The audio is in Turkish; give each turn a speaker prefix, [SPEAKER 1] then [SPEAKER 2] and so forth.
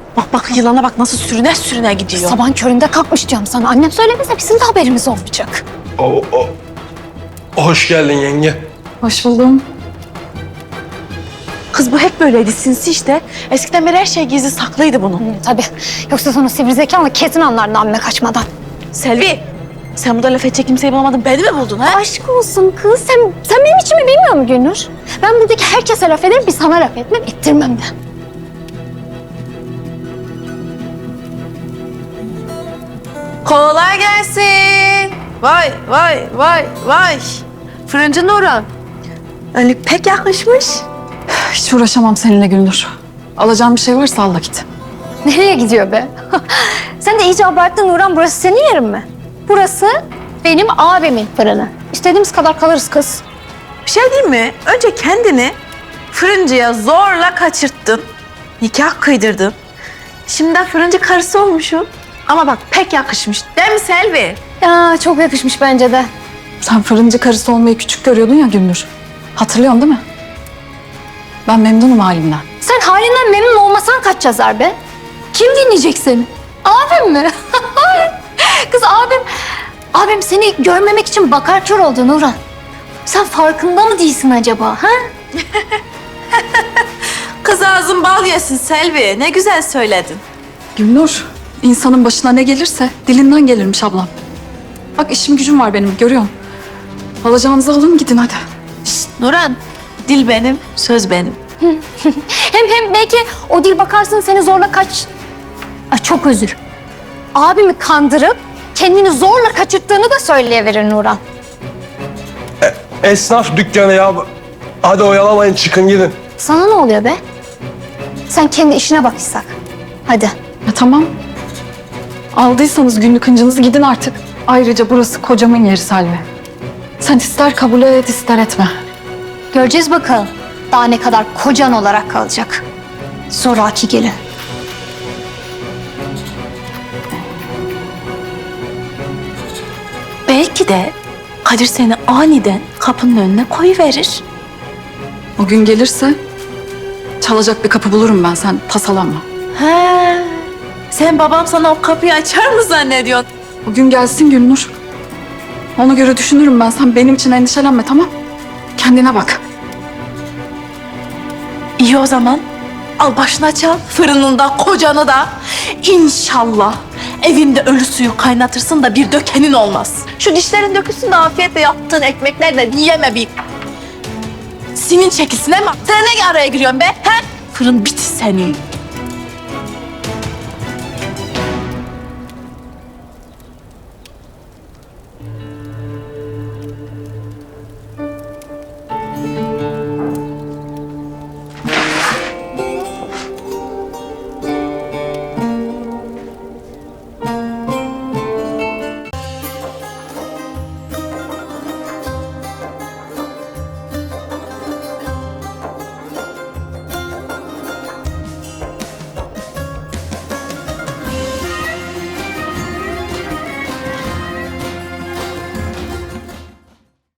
[SPEAKER 1] Bak bak yılana bak nasıl sürüne sürüne gidiyor.
[SPEAKER 2] Sabahın köründe kalkmış diyorum sana. Annem söylemese bizim de haberimiz olmayacak.
[SPEAKER 3] Hoş geldin yenge.
[SPEAKER 2] Hoş buldum.
[SPEAKER 1] Kız bu hep böyleydi sinsi işte. Eskiden beri her şey gizli saklıydı bunun.
[SPEAKER 2] Tabii. Yoksa sonra sivri zekanla kesin anlardın amme kaçmadan.
[SPEAKER 1] Selvi sen burada laf edecek kimseyi bulamadın beni mi buldun ha?
[SPEAKER 2] Aşk olsun kız. Sen benim içimi bilmiyor musun Gülnur? Ben buradaki herkese laf ederim, bir sana laf etmem, ettirmem de.
[SPEAKER 1] Kolay gelsin. Vay vay vay vay. Fırıncı Nurhan. Önlük pek yakışmış.
[SPEAKER 4] Hiç uğraşamam seninle Gülnur. Alacağım bir şey varsa al da git.
[SPEAKER 2] Nereye gidiyor be? Sen de iyice abarttın Nurhan. Burası senin yerin mi? Burası benim abimin fırını. İstediğimiz kadar kalırız kız.
[SPEAKER 1] Bir şey diyeyim mi? Önce kendini fırıncıya zorla kaçırttın. Nikah kıydırdın. Şimdi de fırıncı karısı olmuşum. Ama bak pek yakışmış. Değil mi Selvi?
[SPEAKER 2] Ya çok yakışmış bence de.
[SPEAKER 4] Sen fırıncı karısı olmayı küçük görüyordun ya Gülnur. Hatırlıyorsun değil mi? Ben memnunum halimden.
[SPEAKER 2] Sen halinden memnun olmasan kaç yazar be? Kim dinleyecek seni? Abim mi? Kız abim seni görmemek için bakar kör oldu Nurhan. Sen farkında mı değilsin acaba? Ha?
[SPEAKER 1] Kız ağzın bal yesin Selvi. Ne güzel söyledin.
[SPEAKER 4] Gülnur, insanın başına ne gelirse dilinden gelirmiş ablam. Bak işim gücüm var benim, görüyorsun. Alacağınızı alın gidin hadi.
[SPEAKER 1] Nurhan, dil benim, söz benim.
[SPEAKER 2] Hem belki o dil bakarsın seni zorla kaç... Ay çok özür. Abimi kandırıp kendini zorla kaçırttığını da söyleyiverir Nurhan.
[SPEAKER 3] Esnaf dükkanı ya. Hadi oyalamayın çıkın gidin.
[SPEAKER 2] Sana ne oluyor be? Sen kendi işine bak İshak. Hadi.
[SPEAKER 4] Ya tamam. Aldıysanız günlük hıncınızı gidin artık. Ayrıca burası kocamın yeri Selvi. Sen ister kabul et ister etme.
[SPEAKER 2] Göreceğiz bakalım. Daha ne kadar kocan olarak kalacak. Zoraki gelin.
[SPEAKER 1] Belki de Kadir seni aniden kapının önüne koyuverir.
[SPEAKER 4] O gün gelirse çalacak bir kapı bulurum ben, sen tasalanma.
[SPEAKER 1] He. Sen babam sana o kapıyı açar mı zannediyorsun?
[SPEAKER 4] O gün gelsin Gülnur. Ona göre düşünürüm ben, sen benim için endişelenme, tamam? Kendine bak.
[SPEAKER 1] İyi o zaman. Al başına çal. Fırınında kocanı da. İnşallah evinde ölü suyu kaynatırsın da bir dökenin olmaz. Şu dişlerin dökülsün de afiyetle yaptığın ekmeklerle yiyeme bir. Sinin çekilsin ama sen ne araya giriyorsun be? He? Fırın biti senin.